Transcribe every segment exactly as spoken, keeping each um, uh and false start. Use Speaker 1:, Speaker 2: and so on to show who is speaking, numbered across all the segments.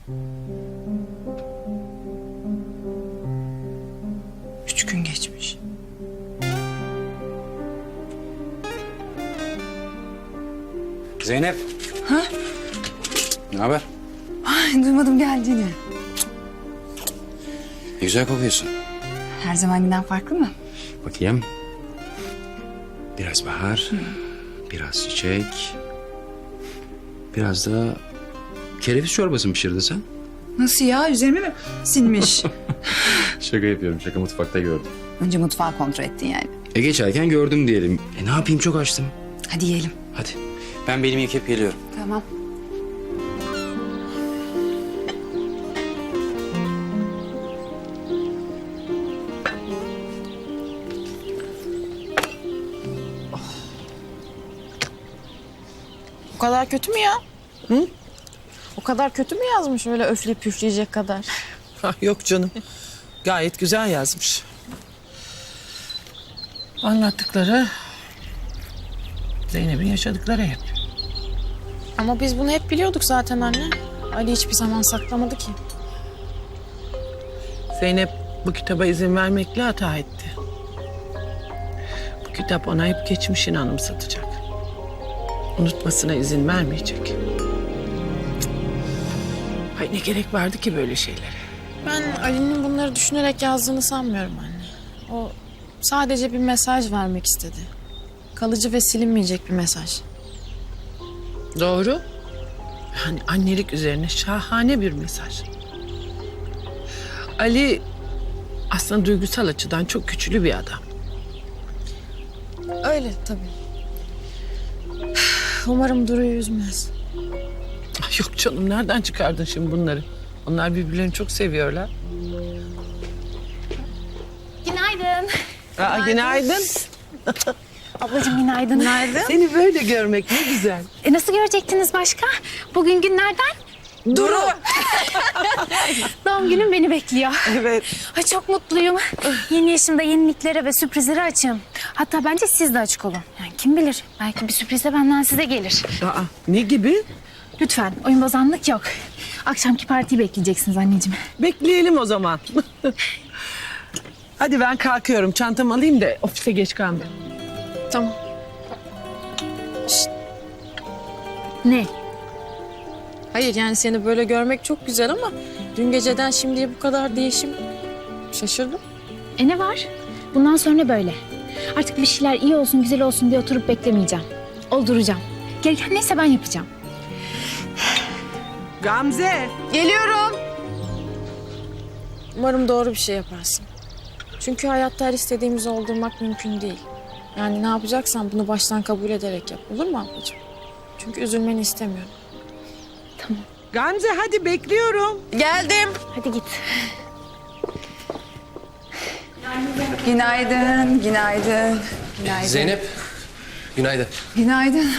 Speaker 1: Üç gün geçmiş.
Speaker 2: Zeynep.
Speaker 1: Ha?
Speaker 2: Ne haber?
Speaker 1: Ay, duymadım geldiğini.
Speaker 2: Ne güzel kokuyorsun.
Speaker 1: Her zamankinden farklı mı?
Speaker 2: Bakayım. Biraz bahar, biraz çiçek, biraz da kereviz çorbası mı pişirdin sen?
Speaker 1: Nasıl ya? Üzerime mi sinmiş?
Speaker 2: Şaka yapıyorum, şaka mutfakta gördüm.
Speaker 1: Önce mutfağı kontrol ettin yani.
Speaker 2: E geçerken gördüm diyelim. E ne yapayım, çok açtım.
Speaker 1: Hadi yiyelim.
Speaker 2: Hadi. Ben belimi yıkayıp geliyorum.
Speaker 1: Tamam.
Speaker 3: O kadar kötü mü ya? Hı? O kadar kötü mü yazmış öyle öfleyip püfleyecek kadar?
Speaker 4: Ha, yok canım. Gayet güzel yazmış. Anlattıkları Zeynep'in yaşadıkları hep.
Speaker 3: Ama biz bunu hep biliyorduk zaten anne. Ali hiçbir zaman saklamadı ki.
Speaker 4: Zeynep bu kitaba izin vermekle hata etti. Bu kitap ona hep geçmişini anımsatacak. Unutmasına izin vermeyecek. Cık. Ay ne gerek vardı ki böyle şeylere?
Speaker 3: Ben Ali'nin bunları düşünerek yazdığını sanmıyorum anne. O sadece bir mesaj vermek istedi. Kalıcı ve silinmeyecek bir mesaj.
Speaker 4: Doğru. Yani annelik üzerine şahane bir mesaj. Ali aslında duygusal açıdan çok güçlü bir adam.
Speaker 3: Öyle tabii. Umarım Duru'yu üzmez.
Speaker 4: Ay yok canım, nereden çıkardın şimdi bunları? Onlar birbirlerini çok seviyorlar.
Speaker 5: Günaydın.
Speaker 4: Aa, günaydın.
Speaker 5: Ablacığım günaydın. Günaydın.
Speaker 4: Seni böyle görmek ne güzel.
Speaker 5: E, nasıl görecektiniz başka? Bugün günlerden
Speaker 4: Duru.
Speaker 5: doğum günüm beni bekliyor.
Speaker 4: Evet.
Speaker 5: Ay çok mutluyum. Yeni yaşımda yeniliklere ve sürprizlere açığım. Hatta bence siz de açık olun. Yani kim bilir, belki bir sürpriz de benden size gelir.
Speaker 4: Aa, ne gibi?
Speaker 5: Lütfen oyun bozanlık yok. Akşamki partiyi bekleyeceksiniz anneciğim.
Speaker 4: Bekleyelim o zaman. Hadi ben kalkıyorum. Çantamı alayım da ofise geç kalmayayım.
Speaker 3: Tamam.
Speaker 5: Ne?
Speaker 3: Hayır yani seni böyle görmek çok güzel ama dün geceden şimdiye bu kadar değişim şaşırdım.
Speaker 5: E ne var? Bundan sonra böyle. Artık bir şeyler iyi olsun, güzel olsun diye oturup beklemeyeceğim. Olduracağım. Gereken neyse ben yapacağım.
Speaker 4: Gamze.
Speaker 3: Geliyorum. Umarım doğru bir şey yaparsın. Çünkü hayatta her istediğimizi oldurmak mümkün değil. Yani ne yapacaksan bunu baştan kabul ederek yap. Olur mu ablacığım? Çünkü üzülmeni istemiyorum.
Speaker 4: Gamze hadi bekliyorum.
Speaker 3: Geldim.
Speaker 5: Hadi git.
Speaker 1: Günaydın, günaydın. Günaydın.
Speaker 6: Zeynep, günaydın.
Speaker 1: Günaydın.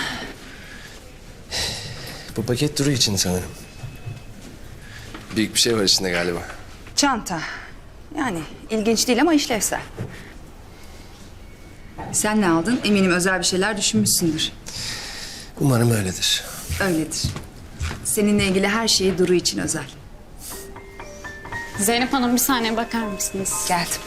Speaker 6: Bu paket Duru için sanırım. Büyük bir şey var içinde galiba.
Speaker 1: Çanta. Yani ilginç değil ama işlevsel. Sen ne aldın? Eminim özel bir şeyler düşünmüşsündür.
Speaker 6: Umarım öyledir.
Speaker 1: Öyledir. Seninle ilgili her şeyi Duru için özel.
Speaker 5: Zeynep Hanım bir saniye bakar mısınız?
Speaker 1: Geldim.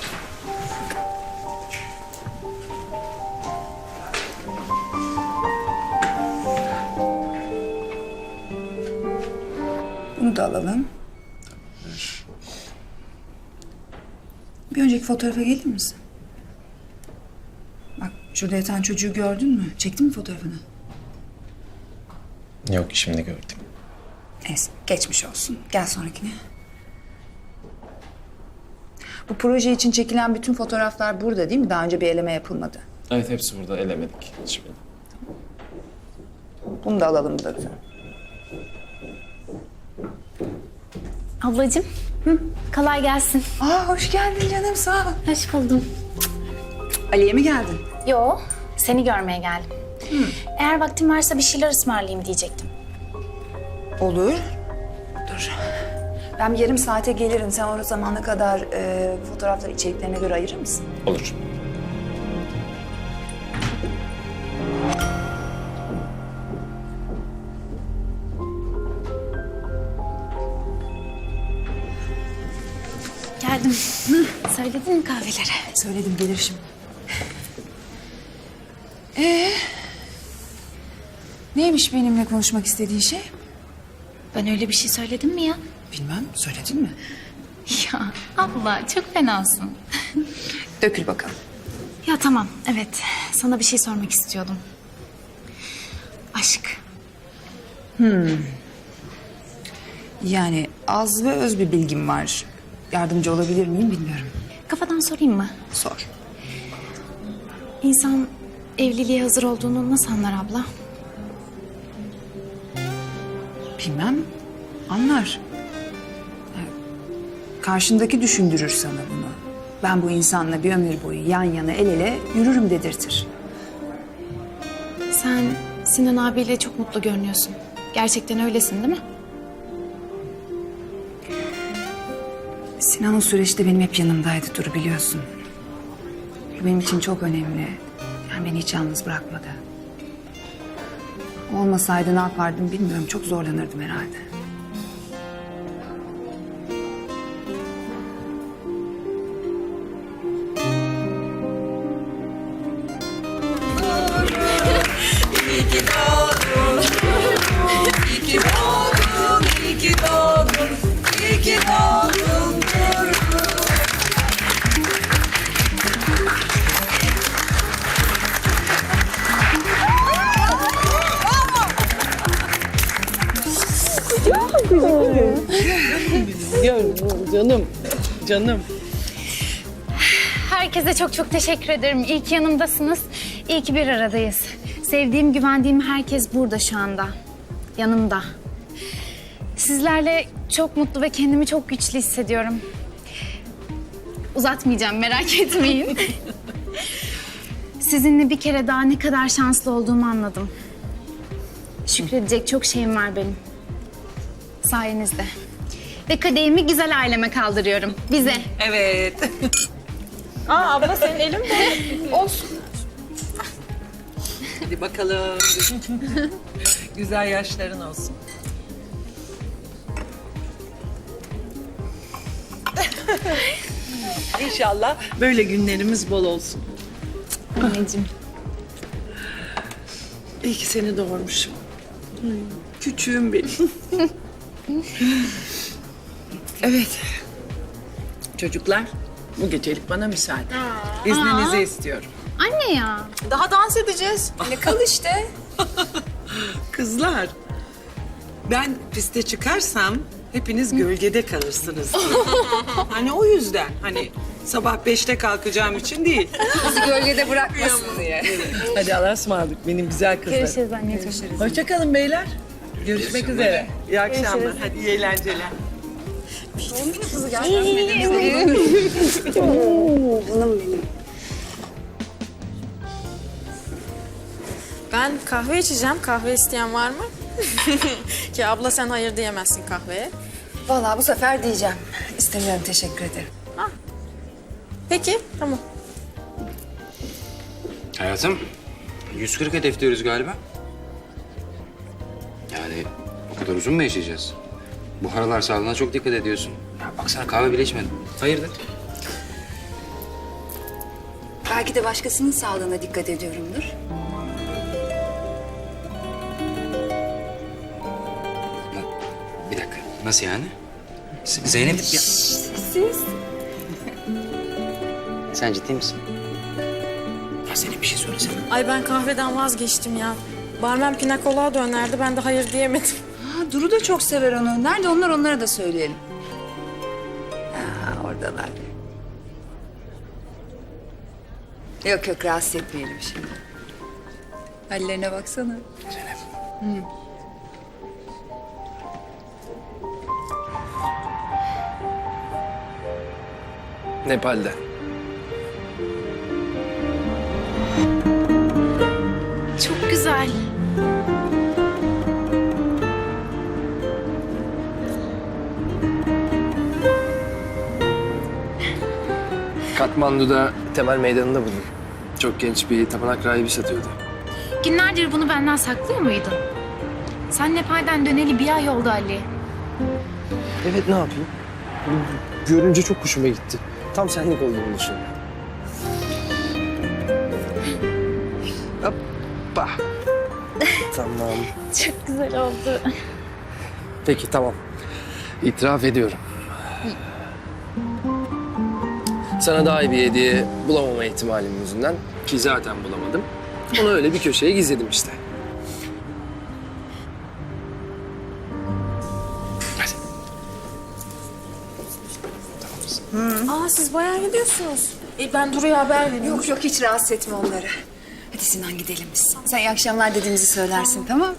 Speaker 1: Bunu da alalım. Bir önceki fotoğrafa gelir misin? Bak şurada yatan çocuğu gördün mü? Çektin mi fotoğrafını?
Speaker 6: Yok, şimdi gördüm.
Speaker 1: Neyse geçmiş olsun. Gel sonrakine. Bu proje için çekilen bütün fotoğraflar burada değil mi? Daha önce bir eleme yapılmadı.
Speaker 6: Evet, hepsi burada, elemedik hiçbirini.
Speaker 1: Bunu da alalım da.
Speaker 5: Ablacığım. Hı, kolay gelsin.
Speaker 1: Aa hoş geldin canım sağ ol.
Speaker 5: Hoş buldum.
Speaker 1: Ali'ye mi geldin?
Speaker 5: Yo, seni görmeye geldim. Eğer vaktin varsa bir şeyler ısmarlayayım diyecektim.
Speaker 1: Olur. Dur. Ben bir yarım saate gelirim. Sen o zamana kadar e, fotoğrafları içeriklerine göre ayırır mısın?
Speaker 6: Olur.
Speaker 5: geldim. Söyledin mi kahveleri?
Speaker 1: Söyledim, gelir şimdi. Ee, neymiş benimle konuşmak istediğin şey?
Speaker 5: Ben öyle bir şey söyledim mi ya?
Speaker 1: Bilmem, söyledin mi?
Speaker 5: Ya abla çok fenasın.
Speaker 1: Dökül bakalım.
Speaker 5: Ya tamam, evet. Sana bir şey sormak istiyordum. Aşk.
Speaker 1: Yani az ve öz bir bilgim var. Yardımcı olabilir miyim bilmiyorum.
Speaker 5: Kafadan sorayım mı?
Speaker 1: Sor.
Speaker 5: İnsan evliliğe hazır olduğunu nasıl anlar abla?
Speaker 1: Bilmem, anlar. Yani karşındaki düşündürür sana bunu. Ben bu insanla bir ömür boyu yan yana el ele yürürüm dedirtir.
Speaker 5: Sen Sinan abiyle çok mutlu görünüyorsun. Gerçekten öylesin değil mi?
Speaker 1: Sinan o süreçte benim hep yanımdaydı Duru, biliyorsun. Bu benim için çok önemli. Yani beni hiç yalnız bırakmadı. O olmasaydı ne yapardım bilmiyorum. Çok zorlanırdım herhalde.
Speaker 4: Canım, canım.
Speaker 5: Herkese çok çok teşekkür ederim. İyi ki yanımdasınız. İyi ki bir aradayız. Sevdiğim, güvendiğim herkes burada şu anda. Yanımda. Sizlerle çok mutlu ve kendimi çok güçlü hissediyorum. Uzatmayacağım, merak etmeyin. Sizinle bir kere daha ne kadar şanslı olduğumu anladım. Şükredecek çok şeyim var benim. Sayenizde. Ve kadehimi güzel aileme kaldırıyorum. Bize.
Speaker 4: Evet.
Speaker 3: Aa abla senin elin mi? Olsun.
Speaker 4: Hadi bakalım. Güzel yaşların olsun. İnşallah böyle günlerimiz bol olsun.
Speaker 5: Anneciğim.
Speaker 4: İyi ki seni doğurmuşum. Ay, küçüğüm benim. Evet. Çocuklar, bu gecelik bana müsaade. İzninizi istiyorum.
Speaker 5: Anne ya.
Speaker 3: Daha dans edeceğiz.
Speaker 1: Ne kal işte.
Speaker 4: Kızlar, ben piste çıkarsam hepiniz gölgede kalırsınız diye. Hani o yüzden, hani sabah beşte kalkacağım için değil.
Speaker 1: Bizi gölgede bırakmasın diye.
Speaker 4: Hadi Allah'a ısmarladık benim güzel kızlarım.
Speaker 5: Görüşürüz anneciğim.
Speaker 4: Hoşça kalın beyler. Görüşmek üzere. İyi akşamlar. Hadi iyi eğlenceler.
Speaker 3: Ben kahve içeceğim. Kahve isteyen var mı? Ki abla sen hayır diyemezsin kahveye.
Speaker 1: Vallahi bu sefer diyeceğim. İstemiyorum, teşekkür ederim.
Speaker 3: Peki tamam.
Speaker 2: Hayatım, yüz kırk hedefliyoruz galiba. Yani o kadar uzun mu yaşayacağız? Bu aralar sağlığına çok dikkat ediyorsun. Ya baksana kahve bile içmedim. Hayırdır?
Speaker 1: Belki de başkasının sağlığına dikkat ediyorumdur.
Speaker 2: Na- Bir dakika, nasıl yani? Z- Zeynep... Ya...
Speaker 1: Siz?
Speaker 2: Sen ciddi misin? Ya Zeynep bir şey söylesene.
Speaker 3: Ay ben kahveden vazgeçtim ya. Barmen pina colada önerdi. Ben de hayır diyemedim.
Speaker 1: Ha, Duru da çok sever onu. Nerede onlar, onlara da söyleyelim. Ha, oradalar. Yok yok, rahatsız etmeyelim şimdi. Hallerine baksana.
Speaker 2: Zeynep.
Speaker 6: Nepal'de.
Speaker 5: Çok güzel.
Speaker 6: Katmandu'da temel meydanında buldum. Çok genç bir tapınak rahibi satıyordu.
Speaker 5: Günlerdir bunu benden saklıyor muydun? Sen Nepal'den döneli bir ay oldu Ali.
Speaker 6: Evet, ne yapayım? Görünce çok hoşuma gitti. Tam senlik olduğunu düşündüm. Hoppa. Tamam.
Speaker 5: Çok güzel oldu.
Speaker 6: Peki tamam. İtiraf ediyorum. Sana daha iyi bir hediye bulamama ihtimalim yüzünden ki zaten bulamadım. Onu öyle bir köşeye gizledim işte.
Speaker 3: Aa siz bayağı gidiyorsunuz. E, ben Duru'ya haber vereyim.
Speaker 1: Yok yok hiç rahatsız etme onları. Hadi Sinan gidelim biz. Sen iyi akşamlar dediğimizi söylersin tamam?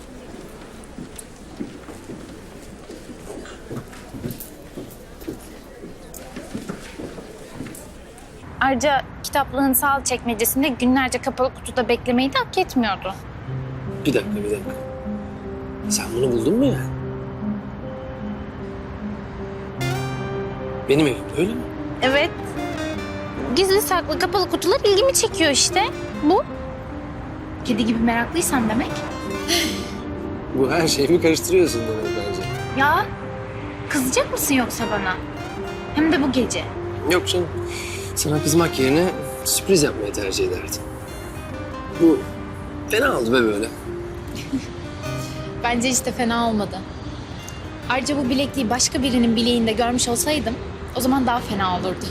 Speaker 5: Ayrıca kitaplığın sağ çekmecesinde günlerce kapalı kutuda beklemeyi de hak etmiyordu.
Speaker 6: Bir dakika, bir dakika. Sen bunu buldun mu yani? Benim evim öyle mi?
Speaker 5: Evet. Gizli saklı kapalı kutular ilgimi çekiyor işte. Bu. Kedi gibi meraklıysan demek.
Speaker 6: Bu her şeyimi karıştırıyorsun demek bence.
Speaker 5: Ya kızacak mısın yoksa bana? Hem de bu gece.
Speaker 6: Yok canım. Sana kızmak yerine sürpriz yapmayı tercih ederdim. Bu fena oldu be böyle.
Speaker 5: Bence hiç de fena olmadı. Ayrıca bu bilekliği başka birinin bileğinde görmüş olsaydım o zaman daha fena olurdu.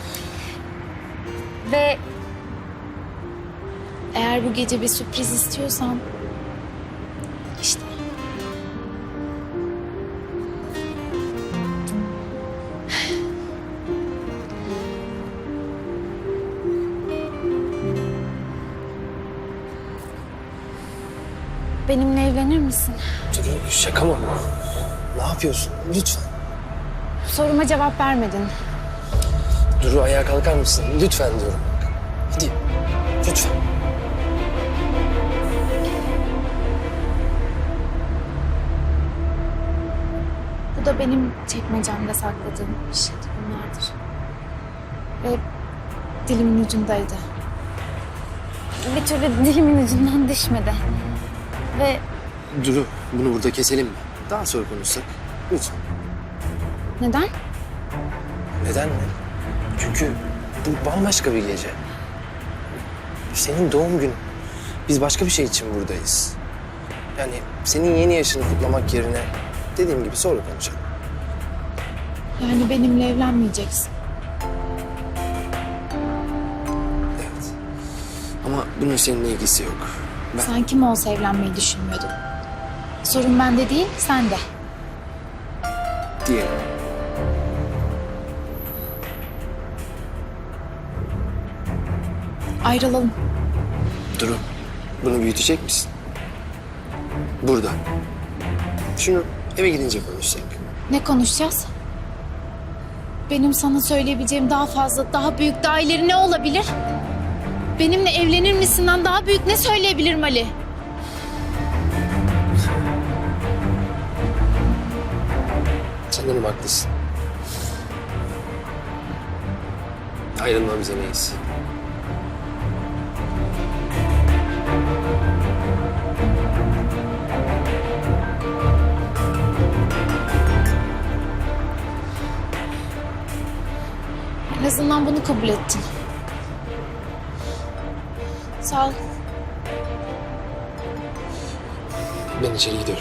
Speaker 5: Ve eğer bu gece bir sürpriz istiyorsan işte. Benimle evlenir misin?
Speaker 6: Dur, şaka mı bu? Ne yapıyorsun? Lütfen.
Speaker 5: Soruma cevap vermedin.
Speaker 6: Duru ayağa kalkar mısın? Lütfen diyorum. Hadi. Lütfen.
Speaker 5: Bu da benim çekmecemde sakladığım bir şey bunlardır. Ve dilimin ucundaydı. Bir türlü dilimin ucundan düşmedi. Ve
Speaker 6: Duru, bunu burada keselim mi? Daha sonra konuşsak. Lütfen.
Speaker 5: neden?
Speaker 6: Neden mi? Çünkü bu bambaşka bir gece. Senin doğum günün. Biz başka bir şey için buradayız. Yani senin yeni yaşını kutlamak yerine dediğim gibi sonra konuşalım.
Speaker 5: Yani benimle evlenmeyeceksin.
Speaker 6: Evet. Ama bunun seninle ilgisi yok. Ben
Speaker 5: Sen kim olsa evlenmeyi düşünmüyordun. Sorun bende değil, sende.
Speaker 6: diyelim.
Speaker 5: Ayrılalım.
Speaker 6: Duru, bunu büyütecek misin? Burada. Şunu eve gidince konuşsak.
Speaker 5: Ne konuşacağız? Benim sana söyleyebileceğim daha fazla, daha büyük, daha ileri ne olabilir? Benimle evlenir misinden daha büyük ne söyleyebilirim Ali?
Speaker 6: Sanırım haklısın. Ayrılmamız en iyisi.
Speaker 5: En azından bunu kabul ettin. Sağ ol.
Speaker 6: Ben içeri gidiyorum.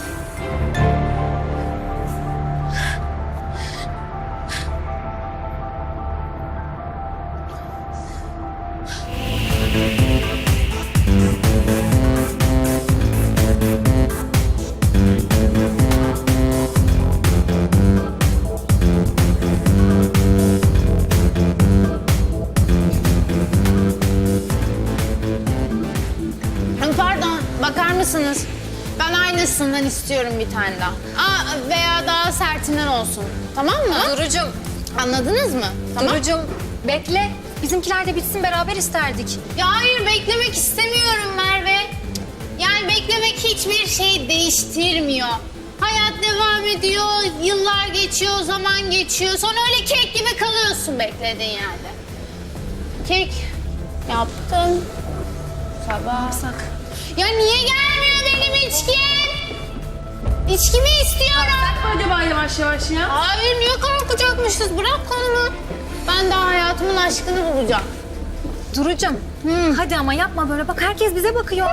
Speaker 7: Pardon, bakar mısınız? Ben aynısından istiyorum bir tane daha. Aa, veya daha sertinden olsun. Tamam mı?
Speaker 8: Durucum,
Speaker 7: Anladınız mı? Tamam.
Speaker 8: Durucum bekle. Bizimkiler de bitsin beraber isterdik.
Speaker 7: Ya hayır, beklemek istemiyorum Merve. Yani beklemek hiçbir şey değiştirmiyor. Hayat devam ediyor, yıllar geçiyor, zaman geçiyor. Sonra öyle kek gibi kalıyorsun beklediğin yerde. Kek yaptım. Sabah. Ya niye gelmiyor benim içkim? İçkimi istiyorum.
Speaker 8: Acaba yavaş yavaş ya.
Speaker 7: Hayır niye korkacakmışız? Bırak kolumu. Ben daha hayatımın aşkını bulacağım.
Speaker 8: Duru'cum hadi ama yapma böyle. Bak herkes bize bakıyor.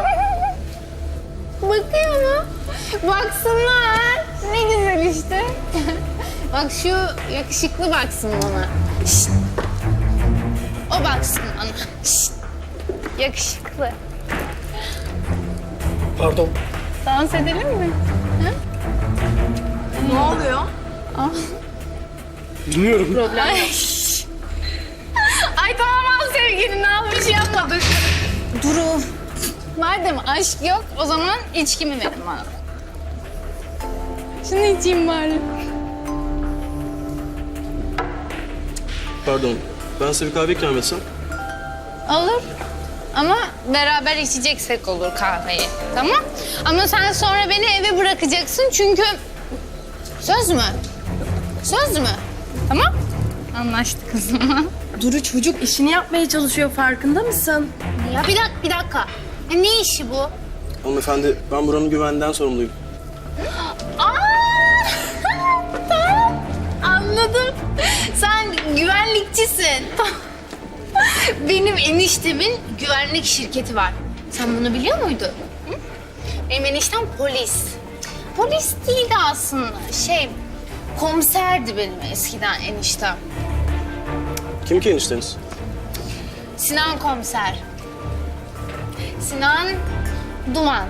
Speaker 7: Bakıyor mu? Baksınlar. Ne güzel işte. Bak şu yakışıklı baksın bana. Şşt. O baksın bana. Şşt. Yakışıklı.
Speaker 6: Pardon.
Speaker 7: Dans edelim mi?
Speaker 3: Ne oluyor?
Speaker 6: Bilmiyorum.
Speaker 7: Ay. Ay tamam al sevgilim, ne yapmış bir şey yapmadık.
Speaker 8: Duru.
Speaker 7: Madem aşk yok, o zaman içkimi verin bana. Şunu içeyim bari.
Speaker 9: Pardon, ben size bir kahve ikram etsem.
Speaker 7: Olur. Ama beraber içeceksek olur kahveyi. Tamam? Ama sen sonra beni eve bırakacaksın çünkü... Söz mü? Söz mü? Tamam? Anlaştık o zaman.
Speaker 8: Duru çocuk işini yapmaya çalışıyor, farkında mısın?
Speaker 7: Ya bir dakika, bir dakika. Ya ne işi bu?
Speaker 9: Hanımefendi, ben buranın güveninden sorumluyum.
Speaker 7: Aa! Tamam. Anladım. Sen güvenlikçisin. Benim eniştemin güvenlik şirketi var. Sen bunu biliyor muydun? Hı? Benim eniştem polis. Polis değildi aslında. Şey, komiserdi benim eskiden eniştem.
Speaker 9: Kim ki enişteniz?
Speaker 7: Sinan komiser. Sinan Duman.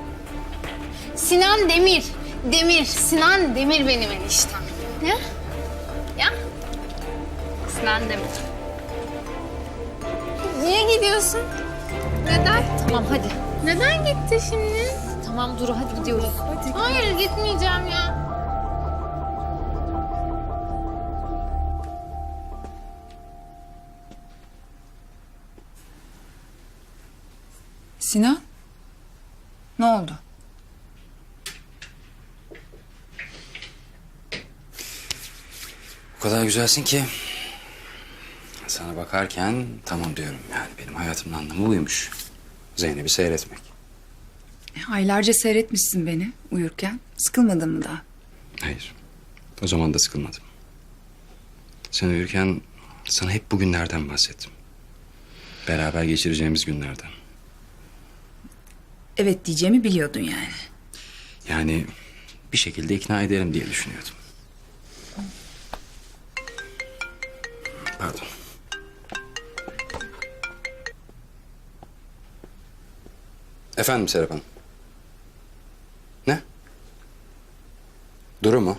Speaker 7: Sinan Demir. Demir. Sinan Demir benim eniştem. Ya? Ya? Sinan Demir. Niye gidiyorsun? Neden?
Speaker 8: Tamam hadi.
Speaker 7: Neden gitti şimdi?
Speaker 8: Tamam Duru hadi gidiyoruz.
Speaker 7: Hayır gitmeyeceğim ya.
Speaker 1: Sinan? Ne oldu?
Speaker 2: O kadar güzelsin ki sana bakarken tamam diyorum yani benim hayatımın anlamı buymuş. Zeynep'i seyretmek.
Speaker 1: Aylarca seyretmişsin beni uyurken. Sıkılmadın mı daha?
Speaker 2: Hayır. O zaman da sıkılmadım. Sen uyurken sana hep bugünlerden bahsettim. Beraber geçireceğimiz günlerden.
Speaker 1: Evet diyeceğimi biliyordun yani.
Speaker 2: Yani bir şekilde ikna ederim diye düşünüyordum. Pardon. Efendim Serap Hanım. Ne? Duru mu?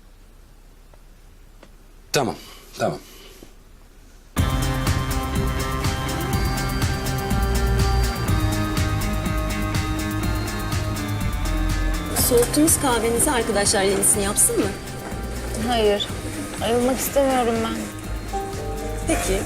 Speaker 2: Tamam, tamam.
Speaker 10: Soğuttuğunuz kahvenizi arkadaşlar yenisini yapsın mı?
Speaker 7: Hayır. Ayrılmak istemiyorum ben.
Speaker 10: Peki.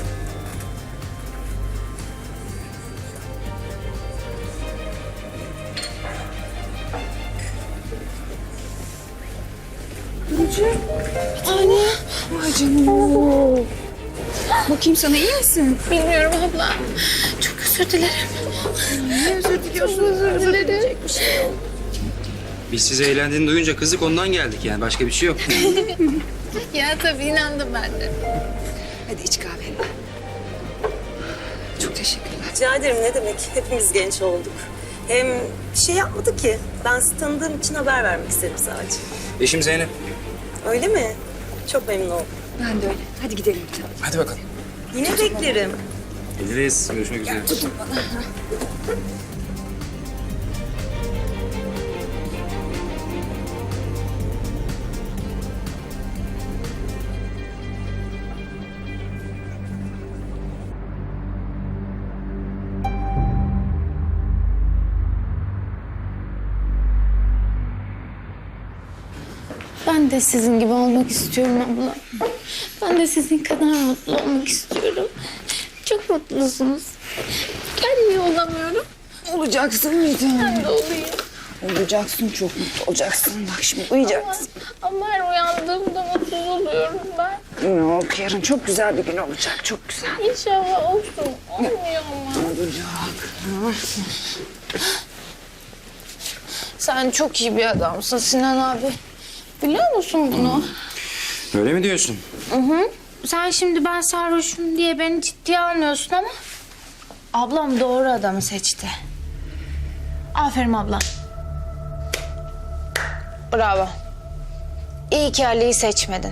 Speaker 1: Bakayım sana iyi misin?
Speaker 7: Bilmiyorum abla. Çok özür dilerim. Ne özür diliyorsun? Çok özür dilerim.
Speaker 2: Biz sizi eğlendiğini duyunca kızdık ondan geldik yani başka bir şey yok.
Speaker 7: Ya tabii inandım ben de.
Speaker 1: Hadi iç kahveni. Çok teşekkürler.
Speaker 10: Rica ederim, ne demek. Hepimiz genç olduk. Hem bir şey yapmadı ki. Ben sizi tanıdığım için haber vermek istedim sadece.
Speaker 2: Eşim Zeynep.
Speaker 10: Öyle mi? Çok memnun oldum.
Speaker 1: Ben de öyle. Hadi gidelim.
Speaker 2: Hadi bakalım.
Speaker 10: Yine beklerim.
Speaker 2: Geliriz. Görüşmek üzere.
Speaker 7: Ben de sizin gibi olmak istiyorum abla. Ben de sizin kadar mutlu olmak istiyorum. Çok mutlusunuz. Ben niye olamıyorum?
Speaker 1: Olacaksın bir tanem.
Speaker 7: Ben de olayım.
Speaker 1: Olacaksın, çok mutlu olacaksın. Bak şimdi uyuyacaksın.
Speaker 7: Ama her uyandığımda mutsuz oluyorum ben.
Speaker 1: Yok, yarın çok güzel bir gün olacak. Çok güzel.
Speaker 7: İnşallah olsun. Olmuyor ama.
Speaker 1: Olacak.
Speaker 3: Sen çok iyi bir adamsın Sinan abi. Biliyor musun bunu?
Speaker 2: Öyle mi diyorsun?
Speaker 5: Sen şimdi ben sarhoşum diye beni ciddiye almıyorsun ama... ablam doğru adamı seçti. Aferin ablam. Bravo. İyi ki Ali'yi seçmedin.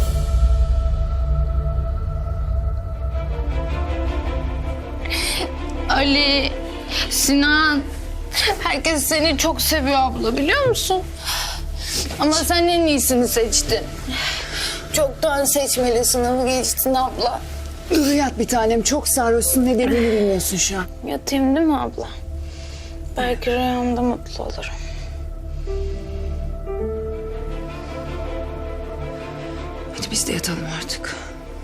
Speaker 7: Ali, Sinan, herkes seni çok seviyor abla biliyor musun? Ama sen en iyisini seçtin. Çoktan seçmeli sınavı geçtin abla.
Speaker 1: Yat bir tanem, çok sarhoşsun, ne dediğini bilmiyorsun şu an.
Speaker 7: Yatayım değil mi abla? Belki rüyamda mutlu olurum.
Speaker 1: Hadi biz de yatalım artık.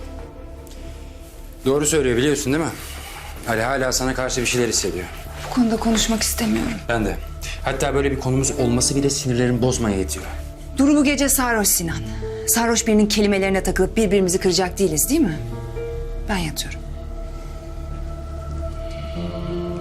Speaker 2: Doğru söylüyor biliyorsun değil mi? Ali hala sana karşı bir şeyler hissediyor.
Speaker 1: Bu konuda konuşmak istemiyorum.
Speaker 2: Ben de. Hatta böyle bir konumuz olması bile sinirlerimi bozmaya yetiyor.
Speaker 1: Duru bu gece sarhoş Sinan. Sarhoş birinin kelimelerine takılıp birbirimizi kıracak değiliz değil mi? Ben yatıyorum.